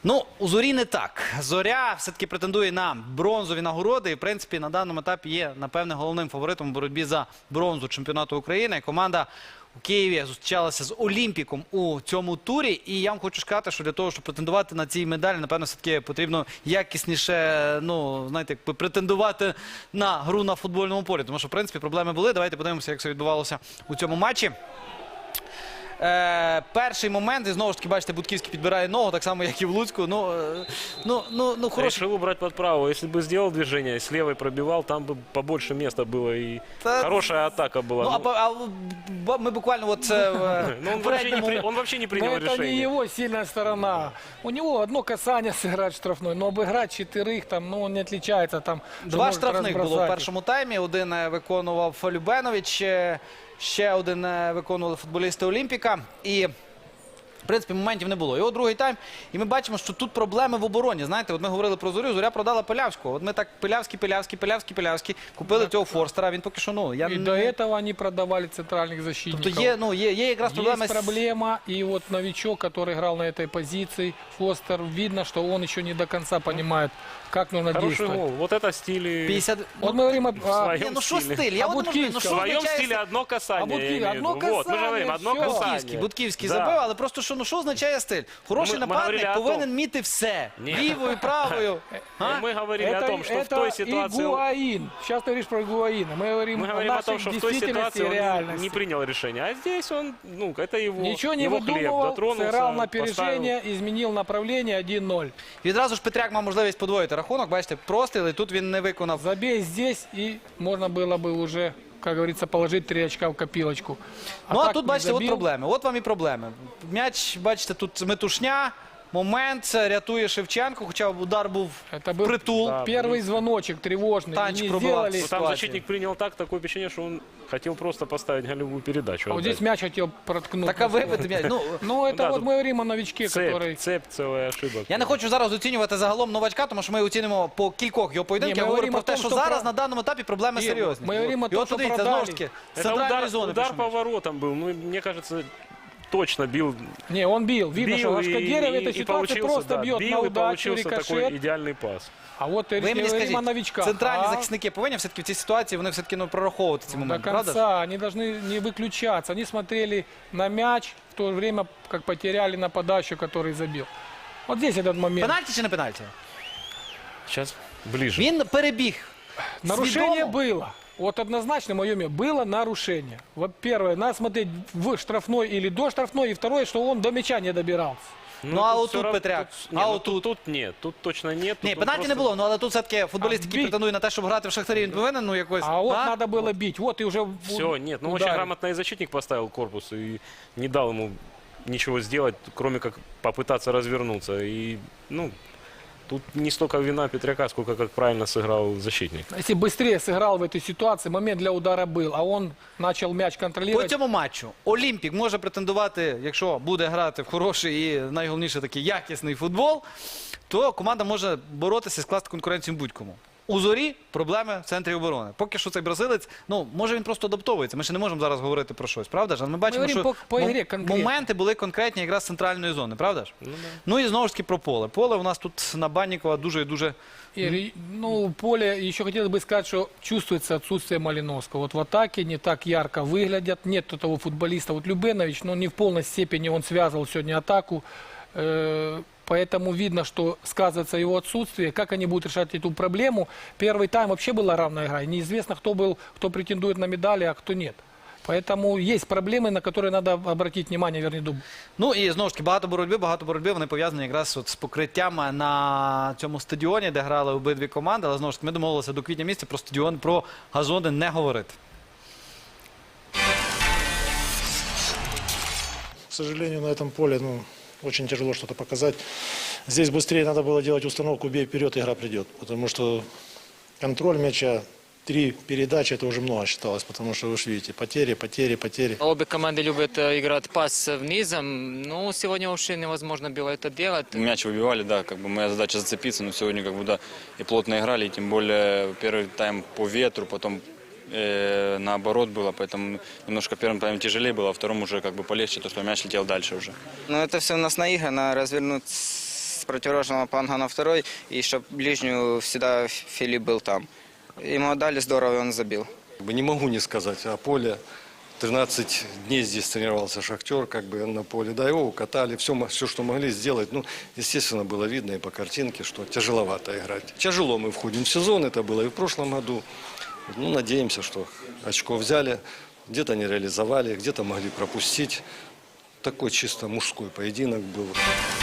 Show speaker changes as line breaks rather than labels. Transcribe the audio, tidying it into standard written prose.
Ну, у Зорі не так. Зоря все-таки претендує на бронзові нагороди і, в принципі, на даному етапі є, напевне, головним фаворитом у боротьбі за бронзу чемпіонату України. Команда у Києві зустрічалася з Олімпіком у цьому турі. І я вам хочу сказати, що для того, щоб претендувати на ці медалі, напевно, все-таки потрібно якісніше, ну, знаєте, претендувати на гру на футбольному полі. Тому що, в принципі, проблеми були. Давайте подивимося, як це відбувалося у цьому матчі. Перший момент, і знову ж таки, бачите, Будківський підбирає ногу, так само, як і в Луцьку. Хороший.
Решил убрать под правую. Если бы сделал движение, с левой пробивал, там бы побольше места было и хорошая атака была.
Ну, мы буквально вот...
Он вообще не принял
это
решение.
не его сильная сторона. У него одно касание сыграть штрафной, но обыграть четырех, там, ну, он не отличается. Там,
Два штрафних було в першому таймі. Один виконував Любенович, ще один виконували футболісти Олімпіка. І, в принципі, моментів не було. І от другий тайм. І ми бачимо, що тут проблеми в обороні. Знаєте, от ми говорили про Зорю, Зоря продала Пилявського. От ми так Пилявський. Купили цього Форстера. Він поки що, ну...
И до этого они продавали центральных защитников.
Тобто є якраз проблема.
Есть проблема, и вот новичок, который играл на этой позиции, Фостер, видно, что он еще не до конца понимает, как нужно
Хороший
действовать.
гол. Вот это стиль.
50...
Вот мы говорим о...
своем
Ні, ну що
стилі.
стиль? Я
А
от не можу, ну
Будківська?
що
В своем
означає
стиле одно касание.
А Будківський,
я имею в
одно
виду. Вот, мы же говорим, одно
касание, всё.
касание.
Будківський
Да.
забив, але просто що, ну, що означає стиль? Хороший
Ми
нападник
говорили о
повинен
том.
вміти все.
Ні.
Лівою, правою. А?
Мы говорили о том, что в той ситуации...
Игуаин. Сейчас ты говоришь про Игуаина. Мы говорим,
Мы говорим о том,
нашей
что в той
действительности
ситуации
и
он
реальности.
не принял решение. А здесь он, ну, это его,
Ничего не
его хлеб.
выдумывал,
Дотронулся,
сыграл на
поставил.
опережение, изменил направление 1-0.
Відразу ж Петряк мав можливість подвоїти рахунок. Бачите, простріл, і тут він не виконав.
Забей здесь, и можно было бы уже, как говорится, положить 3 очка в копилочку.
Ну, а
так
тут,
не
бачите, от
забил.
проблеми. От вам і проблеми. М'яч, бачите, тут метушня. Момент, рятує Шевченко, хоча удар був
Это был
притул.
Да.
первый звоночек тревожный.
Танчик
И не
пробивал.
сделали.
Ну, там
ситуация.
защитник принял такое впечатление, что он хотел просто поставить голевую передачу.
А вот здесь мяч хотел проткнуть.
Така вибити м'яч. Ну,
Ну, это
да,
вот
тут
мы говорим о новичке, который...
Цепь целая ошибок.
я не хочу зараз оцінювати загалом новачка, тому що ми оцінимо по кількох його поєдинках.
Ні,
Я
ми
говорю про
говоримо
те,
о том,
що
що
зараз
про-
на даному етапі проблеми
Ні,
серйозні.
ми говоримо о
І
том,
от
що
подивіться,
продали.
знову ж таки, з
Это
центральної зони.
удар
пішов
по
м'яч.
воротам был. Ну, мне кажется, точно бил.
Не, он бил. Видно, что Лашкадерев в этой ситуации
получился,
просто
да,
бьет
бил,
на
и
удачу,
получился такой
рикошет.
идеальный пас.
А вот
Ви мені
говорим о
скажіть,
новичках.
центральні
А
захисники повинні все-таки в цій ситуації, вони все-таки прораховувати ці
до
моменти, правда? ж?
конца они должны не выключаться. Они смотрели на мяч, в то время как потеряли нападающего, который забил. Вот здесь этот момент.
Пенальті чи не пенальті?
Сейчас ближе.
Він перебіг.
Нарушение
Свідомо?
было. Вот однозначно, мое мнение, было нарушение. Вот первое, надо смотреть в штрафной или до штрафной. И второе, что он до мяча не добирался.
Ну, а
тут
отут
всё равно-
Петряк?
тут- не,
А
ну,
отут?
Тут нет, тут точно нет.
Ні,
тут он
пенальті не
просто-
було, ну але тут все-таки футболіст, який
бій.
претендує на те, щоб грати в Шахтарі, він повинен, ну, якось...
А вот надо было бить. Вот и уже
Все, нет, ну очень
ударил.
грамотно и защитник поставил корпус и не дал ему ничего сделать, кроме как попытаться развернуться. И, ну, тут не столько вина Петряка, сколько как правильно сыграл защитник.
Если быстрее сыграл в этой ситуации, момент для удара был, а он начал мяч
По
контролировать.
цьому матчу Олімпік може претендувати, якщо буде грати в хороший і найголовніше такий якісний футбол, то команда може боротися і скласти конкуренцію будь-кому. У Зорі проблеми в центрі оборони. Поки що цей бразилець, ну, може він просто адаптовується. Ми ще не можемо зараз говорити про щось, правда ж? Але ми бачимо,
говоримо
що
по ігрі конкретно.
моменти були конкретні якраз з центральної зони, правда ж? Ну і знову ж таки про поле. Поле у нас тут на Баннікова дуже і дуже...
И, ну, поле, еще хотелось бы сказать, что чувствуется отсутствие Малиновского. Вот в атаке не так ярко выглядят, нет того футболиста. Вот Любенович, ну, не в полной степени он связывал сегодня атаку. Поэтому видно, что сказывается его отсутствие. Как они будут решать эту проблему? Первый тайм вообще была равная игра. И неизвестно, кто претендует на медали, а кто нет. Поэтому есть проблемы, на которые надо обратить внимание, вернее, думаю.
Ну і знову ж таки багато боротьби, вони пов'язані якраз от з покриттям на цьому стадіоні, де грали обидві команди. Але знову ж таки ми домовилися до квітня місяця про стадіон, про газони не говорити.
К сожалению, на этом поле очень тяжело что-то показать. Здесь быстрее надо было делать установку «бей вперед, игра придет». Потому что контроль мяча, 3 передачи, это уже много считалось. Потому что, вы же видите, потери.
Обе команды любят играть пас внизом, но сегодня вообще невозможно было это делать.
Мяч выбивали, да, как бы моя задача зацепиться, но сегодня как бы да, и плотно играли, и тем более первый тайм по ветру, потом наоборот было, поэтому немножко первым таймом тяжелее было, а втором уже как бы полегче, то что мяч летел дальше уже.
Но это все у нас наиграно, развернуть противоположного фланга на второй, и чтобы ближнюю всегда Филипп был там. Ему отдали здорово, и он забил.
Не могу не сказать о поле. 13 дней здесь тренировался «Шахтер», как бы на поле. Да, его укатали, все, что могли сделать. Ну, естественно, было видно и по картинке, что тяжеловато играть. Тяжело мы входим в сезон, это было и в прошлом году. Ну, надеемся, что очко взяли, где-то не реализовали, где-то могли пропустить. Такой чисто мужской поединок был.